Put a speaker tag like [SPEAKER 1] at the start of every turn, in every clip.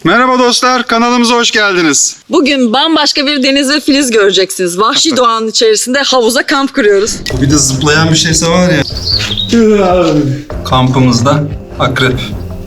[SPEAKER 1] Merhaba dostlar, kanalımıza hoş geldiniz.
[SPEAKER 2] Bugün bambaşka bir Deniz ve Filiz göreceksiniz. Vahşi doğanın içerisinde havuza kamp kuruyoruz.
[SPEAKER 1] Bir de zıplayan bir şeyse var ya. Kampımızda akrep.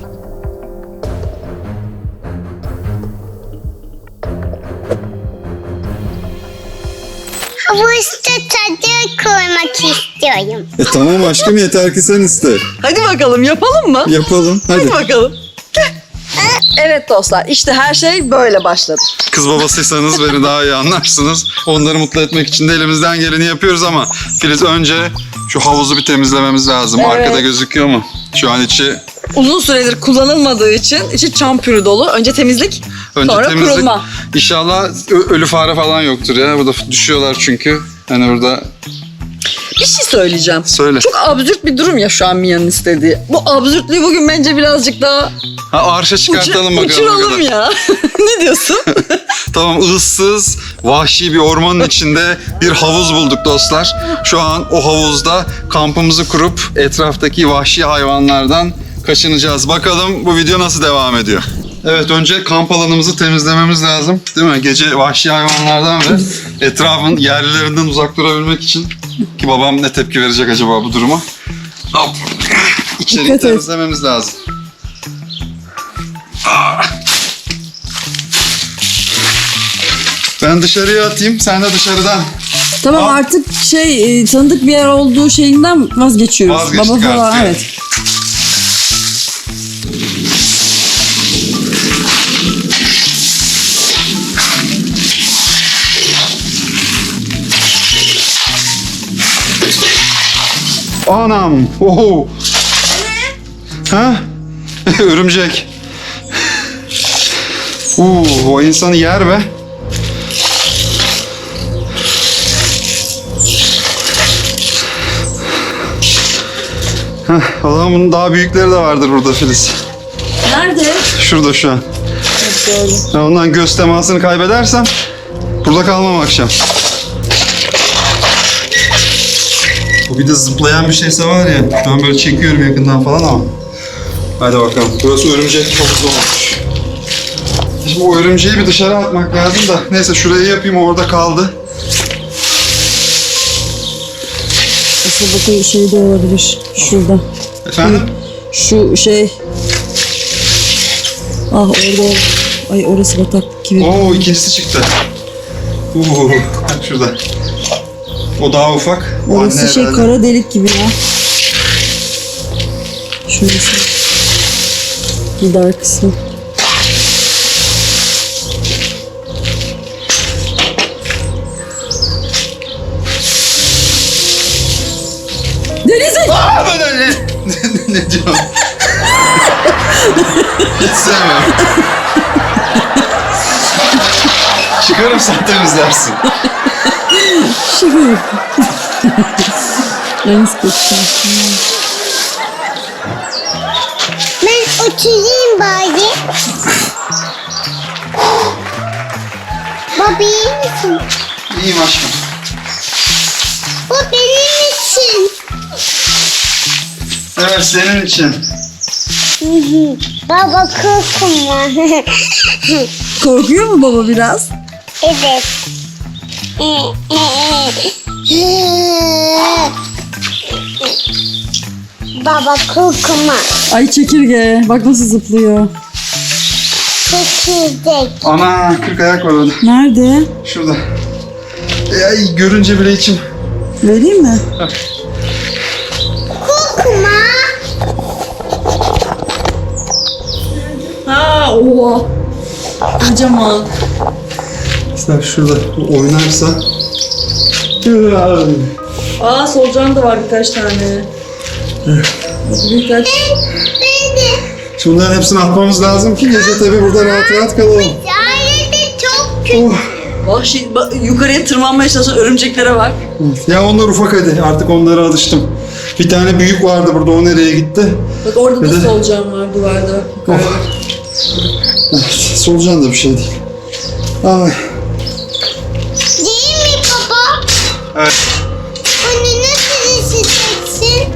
[SPEAKER 3] Havuzda çadır kurmak istiyorum.
[SPEAKER 1] Tamam aşkım, yeter ki sen iste.
[SPEAKER 2] Hadi bakalım, yapalım mı?
[SPEAKER 1] Yapalım,
[SPEAKER 2] Hadi bakalım. Evet dostlar, işte her şey böyle başladı.
[SPEAKER 1] Kız babasıysanız beni daha iyi anlarsınız. Onları mutlu etmek için de elimizden geleni yapıyoruz ama Filiz, önce şu havuzu bir temizlememiz lazım.
[SPEAKER 2] Evet.
[SPEAKER 1] Arkada gözüküyor mu? Şu an içi...
[SPEAKER 2] Uzun süredir kullanılmadığı için içi çam pürü dolu. Önce temizlik, sonra
[SPEAKER 1] temizlik.
[SPEAKER 2] kurulma.
[SPEAKER 1] İnşallah ölü fare falan yoktur ya. Burada düşüyorlar çünkü. Hani burada...
[SPEAKER 2] Bir şey söyleyeceğim.
[SPEAKER 1] Söyle.
[SPEAKER 2] Çok absürt bir durum ya şu an Mia'nın istediği. Bu absürtlüğü bugün bence birazcık daha
[SPEAKER 1] Arşa çıkartalım bakalım.
[SPEAKER 2] uçuralım ya. Ne diyorsun?
[SPEAKER 1] Tamam, ıssız, vahşi bir ormanın içinde bir havuz bulduk dostlar. Şu an o havuzda kampımızı kurup etraftaki vahşi hayvanlardan kaçınacağız. Bakalım bu video nasıl devam ediyor. Evet, önce kamp alanımızı temizlememiz lazım. Değil mi? Gece vahşi hayvanlardan ve etrafın yerlilerinden uzak durabilmek için. Ki babam ne tepki verecek acaba bu duruma? Hop. İçeriği
[SPEAKER 2] Dikkat et.
[SPEAKER 1] temizlememiz lazım. Ben dışarıya atayım, sen de dışarıdan.
[SPEAKER 4] Tamam, artık tanıdık bir yer olduğu şeyinden vazgeçiyoruz.
[SPEAKER 1] Vazgeçtik
[SPEAKER 4] Baba falan,
[SPEAKER 1] artık,
[SPEAKER 4] evet.
[SPEAKER 1] Anam! Oho! Ha? Örümcek. O insanı yer be. Allah'ım, bunun daha büyükleri de vardır burada Filiz.
[SPEAKER 4] Nerede?
[SPEAKER 1] Şurada şu an.
[SPEAKER 4] Gördüm.
[SPEAKER 1] Ben ondan göz temasını kaybedersem burada kalmam akşam. Bu bir de zıplayan bir şeyse var ya. Ben böyle çekiyorum yakından falan ama. Hadi bakalım. Burası örümcek havuzu olmuş. Şimdi o örümceği bir dışarı atmak lazım da. Neyse, şurayı yapayım, orada kaldı.
[SPEAKER 4] Asıl bakın şey de olabilir. Şurada.
[SPEAKER 1] Efendim?
[SPEAKER 4] Şu şey. Ah, orada. Ay, orası batak gibi.
[SPEAKER 1] Oo, ikincisi çıktı. Bak şurada. O daha ufak. O
[SPEAKER 4] Orası
[SPEAKER 1] anne
[SPEAKER 4] şey
[SPEAKER 1] herhalde.
[SPEAKER 4] kara delik gibi ya. Şurası. Bir dar kısmı. Deniz'e!
[SPEAKER 1] Aa, ben öyle. Ne diyorum? Hiç sevmiyorum. Çıkarım, sen temizlersin.
[SPEAKER 4] Şaka yapıyorum. Deniz kokusu.
[SPEAKER 3] Ben oturayım bari. Baba iyi misin?
[SPEAKER 1] İyiyim aşkım.
[SPEAKER 3] Bu benim için.
[SPEAKER 1] Evet, senin için.
[SPEAKER 3] Baba korkma.
[SPEAKER 4] Korkuyor mu baba biraz?
[SPEAKER 3] Evet. Baba korkma.
[SPEAKER 4] Ay çekirge. Bak nasıl zıplıyor.
[SPEAKER 3] Çekirdek.
[SPEAKER 1] Ana, 40 ayak var orada.
[SPEAKER 4] Nerede?
[SPEAKER 1] Şurada. Ay, görünce bile içim.
[SPEAKER 4] Vereyim mi?
[SPEAKER 3] Korkma.
[SPEAKER 4] Ha, oha. Kocaman.
[SPEAKER 1] İşte şurada oynarsa.
[SPEAKER 4] Aa, solucan da var birkaç tane. Birkaç.
[SPEAKER 3] Ben de.
[SPEAKER 1] Şimdi bunların hepsini atmamız lazım ki gece tabii burada rahat rahat kalalım.
[SPEAKER 3] Hayır de çok kötü.
[SPEAKER 1] Oh.
[SPEAKER 2] Vahşi, yukarıya tırmanmaya çalışan örümceklere bak.
[SPEAKER 1] Ya onlar ufak, hadi artık onlara alıştım. Bir tane büyük vardı burada, o nereye gitti?
[SPEAKER 4] Bak orada
[SPEAKER 1] Bir
[SPEAKER 4] da
[SPEAKER 1] de-
[SPEAKER 4] solucan var duvarda. Yukarıda.
[SPEAKER 1] Solucan da bir şey değil. Ay.
[SPEAKER 3] Değil mi baba?
[SPEAKER 1] Evet.
[SPEAKER 3] Onu nasıl ısıtacaksın?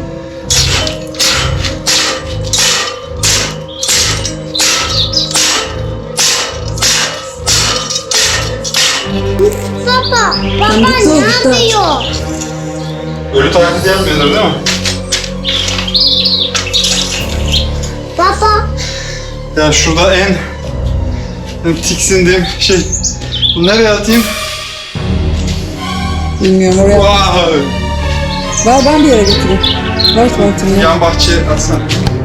[SPEAKER 3] Baba, baba
[SPEAKER 4] Tanıdık
[SPEAKER 3] ne
[SPEAKER 4] oldu,
[SPEAKER 3] yapıyor?
[SPEAKER 1] Ölü taklidi yapmıyordur değil mi?
[SPEAKER 3] Baba,
[SPEAKER 1] Ya şurada en tiksindiğim şey. Bunu nereye atayım?
[SPEAKER 4] Bilmiyorum oraya.
[SPEAKER 1] Vay!
[SPEAKER 4] Ver ben bir yere götüreyim. Ver tuvaletimi.
[SPEAKER 1] Yan bahçeye atsana.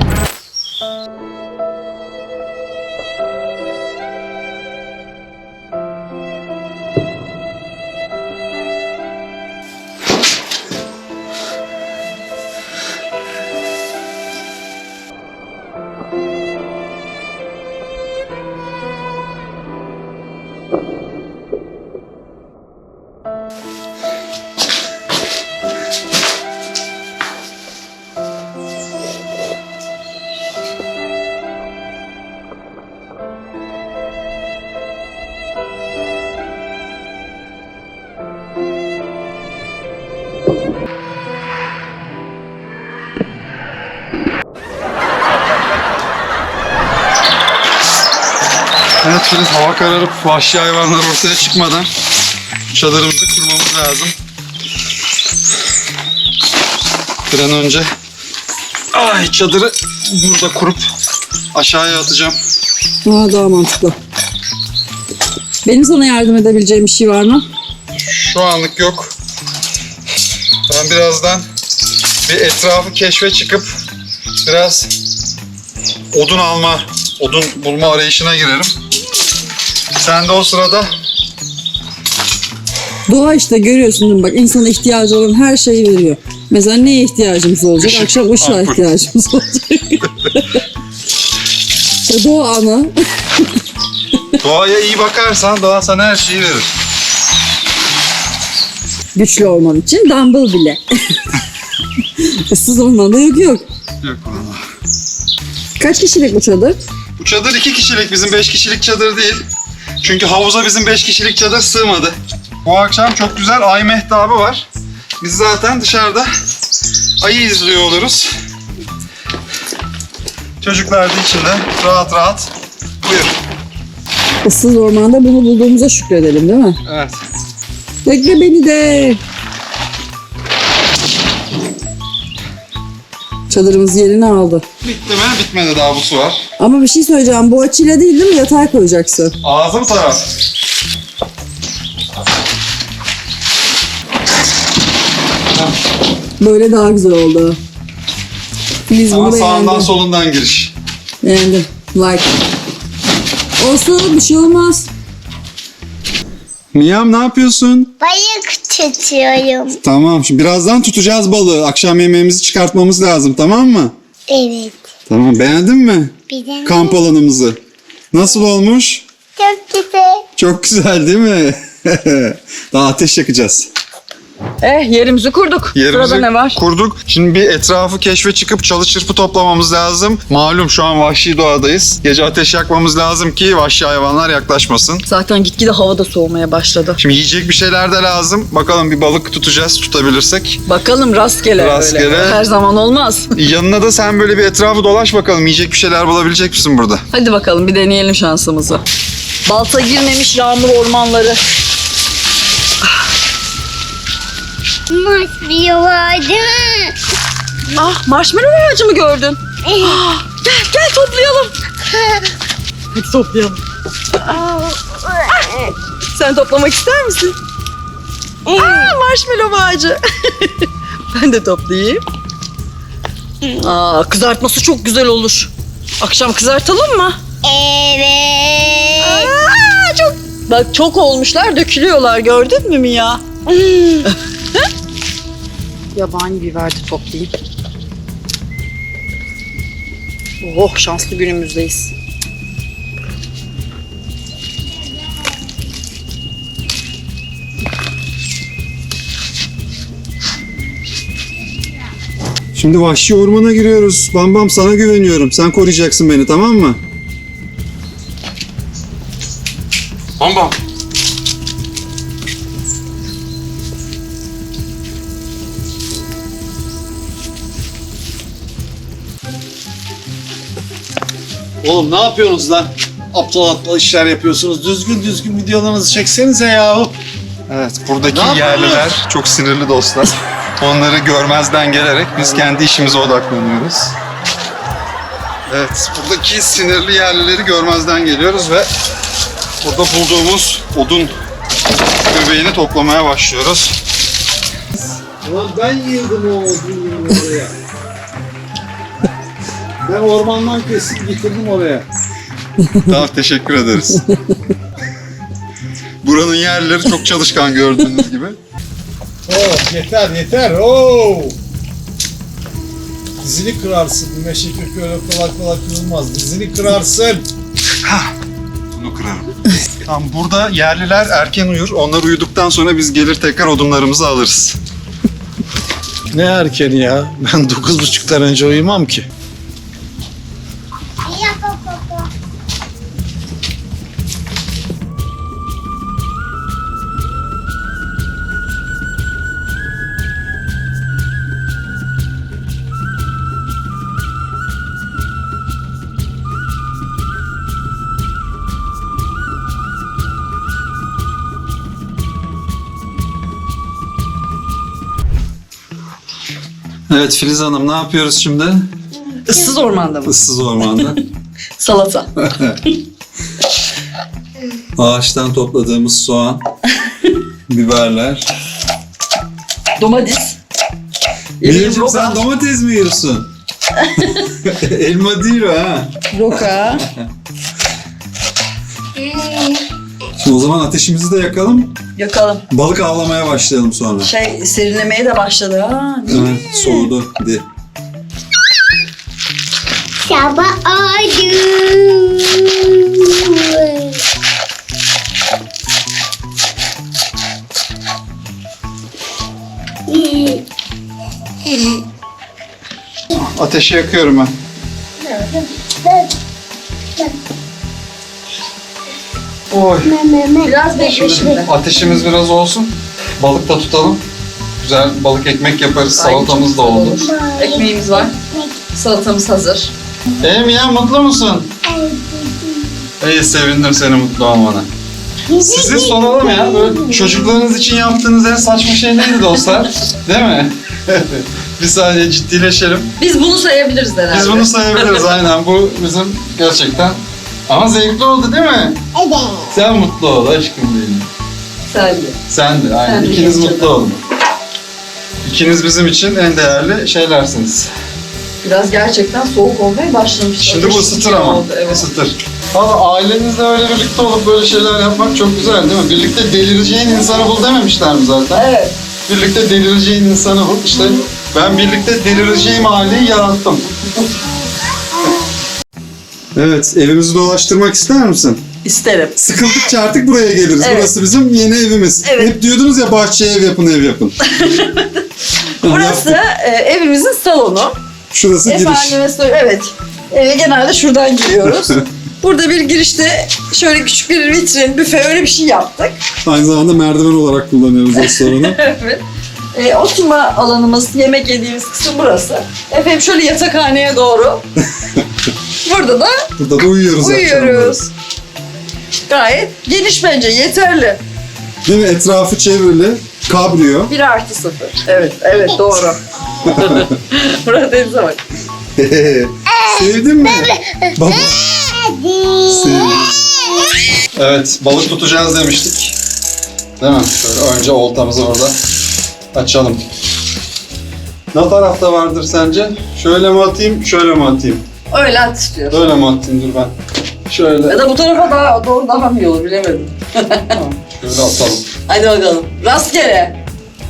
[SPEAKER 1] Evet Filiz, hava kararıp vahşi hayvanlar ortaya çıkmadan çadırımızı kurmamız lazım. Bir an önce çadırı burada kurup aşağıya atacağım.
[SPEAKER 4] Daha mantıklı. Benim sana yardım edebileceğim bir şey var mı?
[SPEAKER 1] Şu anlık yok. Ben birazdan bir etrafı keşfe çıkıp biraz odun bulma arayışına girerim. Sen de o sırada
[SPEAKER 4] Doğa işte görüyorsun değil mi? Bak insana ihtiyacı olan her şeyi veriyor. Mesela neye ihtiyacımız olacak?
[SPEAKER 1] Işık,
[SPEAKER 4] Akşam ışığa
[SPEAKER 1] ampul.
[SPEAKER 4] ihtiyacımız olacak. İşte doğa ana.
[SPEAKER 1] doğaya iyi bakarsan doğa sana her şeyi verir.
[SPEAKER 4] Güçlü olman için dumbbell bile. Issız ormanda yok.
[SPEAKER 1] Yok valla.
[SPEAKER 4] Kaç kişilik bu çadır?
[SPEAKER 1] Bu çadır 2 kişilik, bizim 5 kişilik çadır değil. Çünkü havuza bizim 5 kişilik çadır sığmadı. Bu akşam çok güzel ay mehtabı var. Biz zaten dışarıda ayı izliyor oluruz. Çocuklar da içinde rahat rahat. Buyur.
[SPEAKER 4] Issız ormanda bunu bulduğumuza şükredelim değil mi?
[SPEAKER 1] Evet.
[SPEAKER 4] Bekle beni de. Çadırımız yerini aldı.
[SPEAKER 1] Bitti mi? Bitmedi, daha bu su var.
[SPEAKER 4] Ama bir şey söyleyeceğim. Bu açıyla değil mi? Yatağa koyacaksın.
[SPEAKER 1] Ağzım taraf.
[SPEAKER 4] Böyle daha güzel oldu. Filiz
[SPEAKER 1] Ama
[SPEAKER 4] bunu
[SPEAKER 1] sağından
[SPEAKER 4] beğendi.
[SPEAKER 1] solundan giriş.
[SPEAKER 4] Beğendim. Like. Olsun bir şey olmaz.
[SPEAKER 1] Miyam, ne yapıyorsun?
[SPEAKER 3] balık tutuyorum.
[SPEAKER 1] Tamam, şimdi birazdan tutacağız balığı. Akşam yemeğimizi çıkartmamız lazım, tamam mı?
[SPEAKER 3] Evet.
[SPEAKER 1] Tamam, beğendin mi?
[SPEAKER 3] Bir de
[SPEAKER 1] Kamp alanımızı. Nasıl olmuş?
[SPEAKER 3] çok güzel.
[SPEAKER 1] Çok güzel değil mi? Daha ateş yakacağız.
[SPEAKER 2] Yerimizi kurduk. Sırada ne var?
[SPEAKER 1] kurduk. Şimdi bir etrafı keşfe çıkıp çalı çırpı toplamamız lazım. Malum şu an vahşi doğadayız. Gece ateş yakmamız lazım ki vahşi hayvanlar yaklaşmasın.
[SPEAKER 2] Zaten gitgide hava da soğumaya başladı.
[SPEAKER 1] Şimdi yiyecek bir şeyler de lazım. Bakalım bir balık tutacağız, tutabilirsek.
[SPEAKER 2] Bakalım rastgele.
[SPEAKER 1] Rastgele.
[SPEAKER 2] Öyle. Her zaman olmaz.
[SPEAKER 1] Yanına da sen böyle bir etrafı dolaş bakalım. Yiyecek bir şeyler bulabilecek misin burada?
[SPEAKER 2] Hadi bakalım bir deneyelim şansımızı. Balta girmemiş yağmur ormanları.
[SPEAKER 3] Marshmallow vardı.
[SPEAKER 2] Marshmallow ağacı mı gördün? Gel toplayalım. Hadi toplayalım. Sen toplamak ister misin? Marshmallow ağacı. Ben de toplayayım. Kızartması çok güzel olur. Akşam kızartalım mı?
[SPEAKER 3] Evet.
[SPEAKER 2] Bak çok olmuşlar, dökülüyorlar. Gördün mü Mia? Yabani biber de toplayayım. Oh, şanslı günümüzdeyiz.
[SPEAKER 1] Şimdi vahşi ormana giriyoruz. Bam Bam, sana güveniyorum. Sen koruyacaksın beni, tamam mı? Bam Bam.
[SPEAKER 5] Oğlum ne yapıyorsunuz lan? Aptal aptal işler yapıyorsunuz. Düzgün düzgün videolarınızı çeksenize yahu.
[SPEAKER 1] Evet, buradaki yerliler çok sinirli dostlar. Onları görmezden gelerek biz kendi işimize odaklanıyoruz. Evet, buradaki sinirli yerlileri görmezden geliyoruz ve burada bulduğumuz odun göbeğini toplamaya başlıyoruz.
[SPEAKER 5] Ulan ben yığdım o odunu oraya. Ben ormandan kesip getirdim oraya.
[SPEAKER 1] Tamam, teşekkür ederiz. Buranın yerlileri çok çalışkan gördüğünüz gibi.
[SPEAKER 5] Oh yeter yeter. Oo. Dizini kırarsın. Bu meşe kökü öyle kolay kolay kırılmaz. Dizini kırarsın.
[SPEAKER 1] Bunu kırarım. Tamam, burada yerliler erken uyur. Onlar uyuduktan sonra biz gelir tekrar odunlarımızı alırız.
[SPEAKER 5] Ne erkeni ya? Ben 9.30'dan önce uyumam ki.
[SPEAKER 1] Evet Filiz Hanım, ne yapıyoruz şimdi?
[SPEAKER 2] Issız ormanda mı?
[SPEAKER 1] Issız ormanda.
[SPEAKER 2] Salata.
[SPEAKER 1] Ağaçtan topladığımız soğan, biberler.
[SPEAKER 2] Domates.
[SPEAKER 1] Miracığım, sen domates mi yiyorsun? Elma değil o ha.
[SPEAKER 2] Roka.
[SPEAKER 1] Şimdi o zaman ateşimizi de yakalım.
[SPEAKER 2] Yakalım.
[SPEAKER 1] Balık avlamaya başlayalım sonra.
[SPEAKER 2] Serinlemeye de başladı ha.
[SPEAKER 1] Evet, soğudu. Hadi.
[SPEAKER 3] Sabah oldu.
[SPEAKER 1] Ateşi yakıyorum ben. Oy.
[SPEAKER 2] Biraz bekle şimdi.
[SPEAKER 1] Ateşimiz biraz olsun. Balık da tutalım. Güzel balık ekmek yaparız. Salatamız da oldu.
[SPEAKER 2] Ekmeğimiz var. Salatamız hazır.
[SPEAKER 1] Mia, mutlu musun? İyi, sevindim seni mutlu olmana. Size soralım ya, böyle çocuklarınız için yaptığınız en saçma şey neydi dostlar? Değil mi? Bir saniye ciddileşelim.
[SPEAKER 2] Biz bunu sayabiliriz herhalde.
[SPEAKER 1] Biz bunu sayabiliriz aynen. Bu bizim gerçekten. Ama zevkli oldu değil mi?
[SPEAKER 3] Evet.
[SPEAKER 1] Sen mutlu ol aşkım benim.
[SPEAKER 2] Sen de.
[SPEAKER 1] Sen de aynen.
[SPEAKER 2] Sen de
[SPEAKER 1] İkiniz
[SPEAKER 2] canım.
[SPEAKER 1] mutlu olun. İkiniz bizim için en değerli şeylersiniz.
[SPEAKER 2] Biraz gerçekten soğuk olmaya başlamış.
[SPEAKER 1] Şimdi bu
[SPEAKER 2] Ateş
[SPEAKER 1] ısıtır
[SPEAKER 2] için
[SPEAKER 1] ama.
[SPEAKER 2] oldu, evet.
[SPEAKER 1] Isıtır. Valla ailenizle öyle birlikte olup böyle şeyler yapmak çok güzel değil mi? Birlikte delireceğin insanı bul dememişler mi zaten?
[SPEAKER 2] Evet.
[SPEAKER 1] Birlikte delireceğin insanı bul. İşte ben birlikte delireceğim aileyi yarattım. Evet, evimizi dolaştırmak ister misin?
[SPEAKER 2] İsterim.
[SPEAKER 1] Sıkıldıkça artık buraya geliriz.
[SPEAKER 2] Evet.
[SPEAKER 1] Burası bizim yeni evimiz.
[SPEAKER 2] Evet.
[SPEAKER 1] Hep diyordunuz ya, bahçeye ev yapın, ev yapın.
[SPEAKER 2] Burası evimizin salonu.
[SPEAKER 1] Şurası giriş.
[SPEAKER 2] Efendime söyleyeyim, evet. Eve genelde şuradan giriyoruz. Burada bir girişte şöyle küçük bir vitrin, büfe öyle bir şey yaptık.
[SPEAKER 1] Aynı zamanda merdiven olarak kullanıyoruz restoranı.
[SPEAKER 2] Evet. Oturma alanımız, yemek yediğimiz kısım burası. Efendim şöyle yatakhaneye doğru. Burada da
[SPEAKER 1] Burada da uyuyoruz.
[SPEAKER 2] uyuyoruz. Gayet geniş bence, yeterli.
[SPEAKER 1] Değil mi? Etrafı çevrili. Kabrio.
[SPEAKER 2] 1+0. Evet, evet doğru. Murat denize bak.
[SPEAKER 1] Sevdin mi? Baba. Sevdim. Evet, balık tutacağız demiştik. Değil mi? Şöyle önce oltamızı orada açalım. Ne tarafta vardır sence? Şöyle mi atayım, şöyle mi atayım?
[SPEAKER 2] Öyle at istiyorsun.
[SPEAKER 1] Öyle mi atayım? Dur ben. Şöyle.
[SPEAKER 2] Ya da bu tarafa daha doğru daha mı iyi olur bilemedim.
[SPEAKER 1] Tamam, şöyle atalım.
[SPEAKER 2] Hadi bakalım. Rastgele.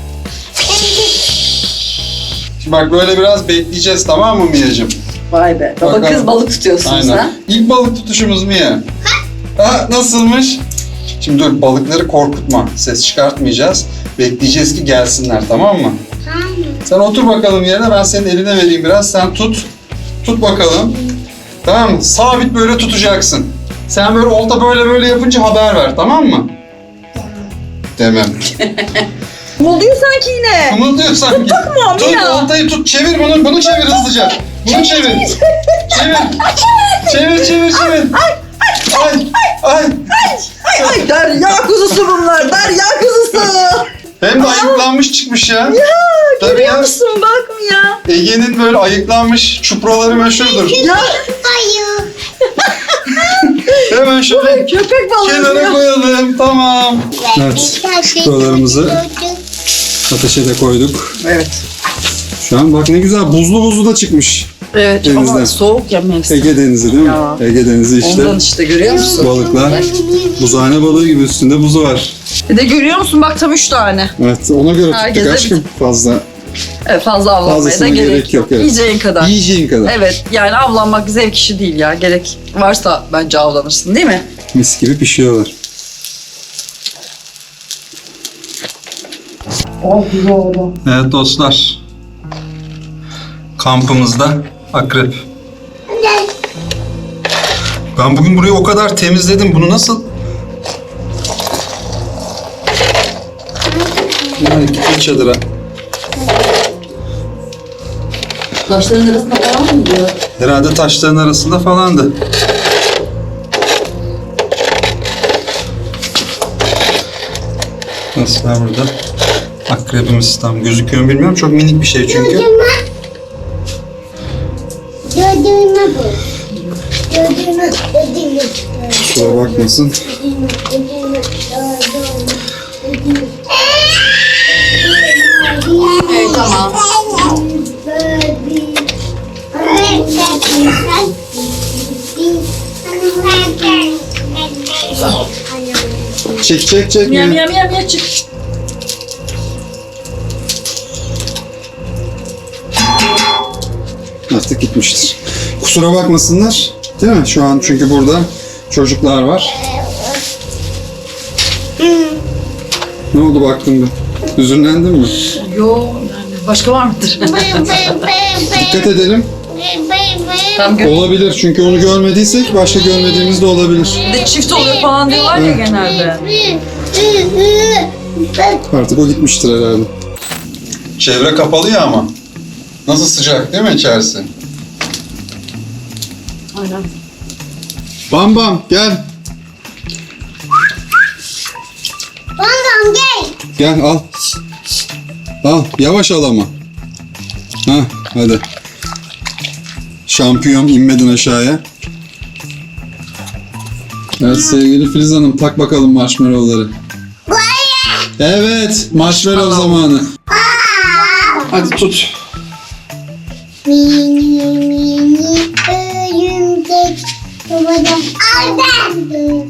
[SPEAKER 1] Şimdi bak, böyle biraz bekleyeceğiz, tamam mı Mia'cığım?
[SPEAKER 2] Vay be. Baba
[SPEAKER 1] Bakalım.
[SPEAKER 2] kız balık tutuyorsunuz ha.
[SPEAKER 1] Aynen. İlk balık tutuşumuz Mia. Ha, nasılmış? Şimdi dur, balıkları korkutma. Ses çıkartmayacağız. Bekleyeceğiz ki gelsinler, tamam mı? Sen otur bakalım yerine, ben senin eline vereyim biraz. Sen tut. Tut bakalım. Tamam mı? Sabit böyle tutacaksın. Sen böyle olta böyle yapınca haber ver, tamam mı? Demem.
[SPEAKER 2] Oluyor sanki yine.
[SPEAKER 1] Kımıldıyor sanki.
[SPEAKER 2] Takma
[SPEAKER 1] Tut
[SPEAKER 2] Mia.
[SPEAKER 1] oltayı tut, çevir bunu. Bunu çevir hızlıca. Bunu çevir. Çevir. Ay.
[SPEAKER 2] Ay derya kuzusu bunlar. Derya kuzusu.
[SPEAKER 1] varmış ya. Tabii
[SPEAKER 2] Görüyor
[SPEAKER 1] ya.
[SPEAKER 2] musun? Bak ya.
[SPEAKER 1] Ege'nin böyle ayıklanmış çupraları meşhurdur.
[SPEAKER 3] Hayır.
[SPEAKER 1] Hemen şöyle
[SPEAKER 2] Köpek balığı.
[SPEAKER 1] kenara
[SPEAKER 2] ya.
[SPEAKER 1] koyalım. Tamam. Evet. Çupralarımızı ateşe de koyduk.
[SPEAKER 2] Evet.
[SPEAKER 1] Şu an bak ne güzel buzlu da çıkmış.
[SPEAKER 2] Evet
[SPEAKER 1] Denizden.
[SPEAKER 2] ama soğuk ya mevsim.
[SPEAKER 1] Ege Denizi değil mi?
[SPEAKER 2] Ya.
[SPEAKER 1] Ege Denizi işte.
[SPEAKER 2] Ondan işte görüyor musun?
[SPEAKER 1] Balıklar. Buzhane balığı gibi üstünde buzu var.
[SPEAKER 2] Bir de görüyor musun? Bak tam 3 tane.
[SPEAKER 1] Evet ona göre tuttuk
[SPEAKER 2] Herkese
[SPEAKER 1] aşkım. Fazla.
[SPEAKER 2] Evet, fazla avlanmaya da
[SPEAKER 1] Fazlasına
[SPEAKER 2] gerek,
[SPEAKER 1] gerek yok, evet.
[SPEAKER 2] Yiyeceğin kadar.
[SPEAKER 1] Yiyeceğin kadar.
[SPEAKER 2] Evet yani avlanmak zevk işi değil ya. Gerek varsa bence avlanırsın değil mi?
[SPEAKER 1] Mis gibi pişiyorlar.
[SPEAKER 2] Oh güzel oldu.
[SPEAKER 1] Evet dostlar. Kampımızda akrep. Ben bugün burayı o kadar temizledim. Bunu nasıl? Yani gitti çadıra.
[SPEAKER 2] Taşların arasında falan mı diyor?
[SPEAKER 1] Herhalde taşların arasında falandı. Nasıl var burada? Akrebimiz tam gözüküyor mu bilmiyorum. Çok minik bir şey çünkü.
[SPEAKER 3] Dödüğüme bu. Dödüğüme.
[SPEAKER 1] Kusura bakmasın.
[SPEAKER 2] Evet tamam.
[SPEAKER 1] Çek.
[SPEAKER 2] Miyav miyav miyav miyav çık.
[SPEAKER 1] Artık gitmiştir. Kusura bakmasınlar. Değil mi? Şu an çünkü burada çocuklar var. Ne oldu baktın bir? Hüzünlendin mi?
[SPEAKER 2] Yo yani başka var mıdır?
[SPEAKER 1] Dikkat edelim.
[SPEAKER 2] Tam
[SPEAKER 1] Olabilir çünkü onu görmediysek başka görmediğimiz de olabilir.
[SPEAKER 2] de çift oluyor falan diyorlar ya genelde.
[SPEAKER 1] Artık o gitmiştir herhalde. Çevre kapalı ya ama. Nasıl sıcak değil mi içerisi?
[SPEAKER 2] Aynen.
[SPEAKER 1] Bam bam gel.
[SPEAKER 3] Bambam gel.
[SPEAKER 1] Gel al. Al yavaş al ama. Hah hadi. Şampiyon inmedin aşağıya. Evet sevgili Filiz Hanım tak bakalım marshmallowları. Evet marshmallow zamanı. Hadi tut.
[SPEAKER 3] Mini örümcek babadan aldım.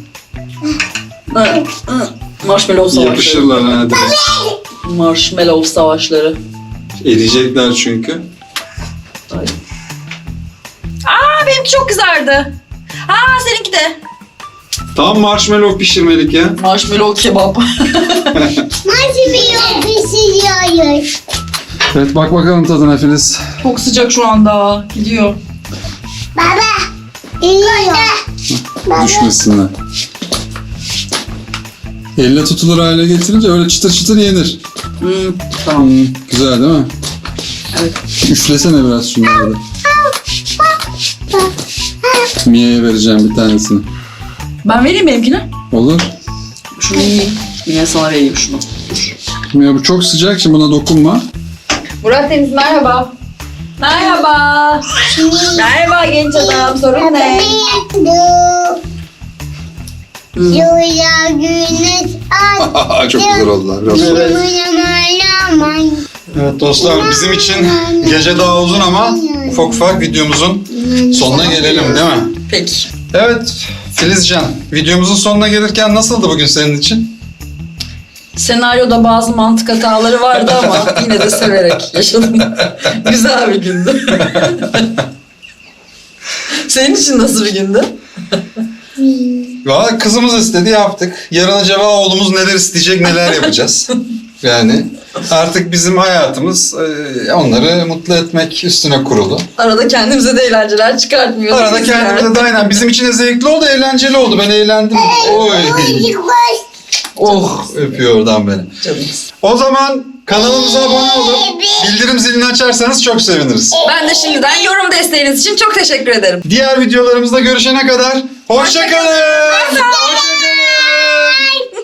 [SPEAKER 2] Marshmallow savaşları.
[SPEAKER 1] Yapışırlar hadi.
[SPEAKER 2] Marshmallow savaşları.
[SPEAKER 1] Eriyecekler çünkü.
[SPEAKER 2] Aa benimki çok kızardı. Aa seninki de.
[SPEAKER 1] Tam marshmallow pişirmelik ya.
[SPEAKER 2] Marshmallow kebap.
[SPEAKER 3] Nasıl bir yol pişiriyoruz?
[SPEAKER 1] Evet bak bakalım tadına Filiz.
[SPEAKER 2] Çok sıcak şu anda. Gidiyor.
[SPEAKER 3] Baba. İyiyor.
[SPEAKER 1] Düşmesinler. Elle tutulur hale getirince öyle çıtır çıtır yenir.
[SPEAKER 2] Tamam.
[SPEAKER 1] Güzel değil mi?
[SPEAKER 2] Evet.
[SPEAKER 1] Üflesene biraz şunları da. Mia'ya vereceğim bir tanesini.
[SPEAKER 2] Ben vereyim benimkini.
[SPEAKER 1] Olur.
[SPEAKER 2] Şunu yiyeyim. Yine sana vereyim şunu.
[SPEAKER 1] Mia bu çok sıcak şimdi buna dokunma.
[SPEAKER 2] Murat Deniz merhaba. Merhaba. Merhaba genç adam. Sorun ne?
[SPEAKER 3] Yola güneş ay.
[SPEAKER 1] Çok güzel oldular. Evet dostlar bizim için gece daha uzun ama ufak ufak videomuzun sonuna gelelim değil mi?
[SPEAKER 2] Peki.
[SPEAKER 1] Evet Filizcan videomuzun sonuna gelirken nasıldı bugün senin için?
[SPEAKER 2] Senaryoda bazı mantık hataları vardı ama yine de severek yaşadım. Güzel bir gündü. Senin için nasıl bir gündü?
[SPEAKER 1] Valla kızımız istedi yaptık. Yarın acaba oğlumuz neler isteyecek neler yapacağız. Yani artık bizim hayatımız onları mutlu etmek üstüne kurulu.
[SPEAKER 2] Arada kendimize de eğlenceler çıkartmıyoruz.
[SPEAKER 1] Arada kendimize de aynen bizim için de zevkli oldu, eğlenceli oldu. Ben eğlendim. Oy. Oh öpüyor oradan beni.
[SPEAKER 2] Canımız.
[SPEAKER 1] O zaman kanalımıza abone olup bildirim zilini açarsanız çok seviniriz.
[SPEAKER 2] Ben de şimdiden yorum desteğiniz için çok teşekkür ederim.
[SPEAKER 1] Diğer videolarımızda görüşene kadar hoşça kalın. Hoşça kalın.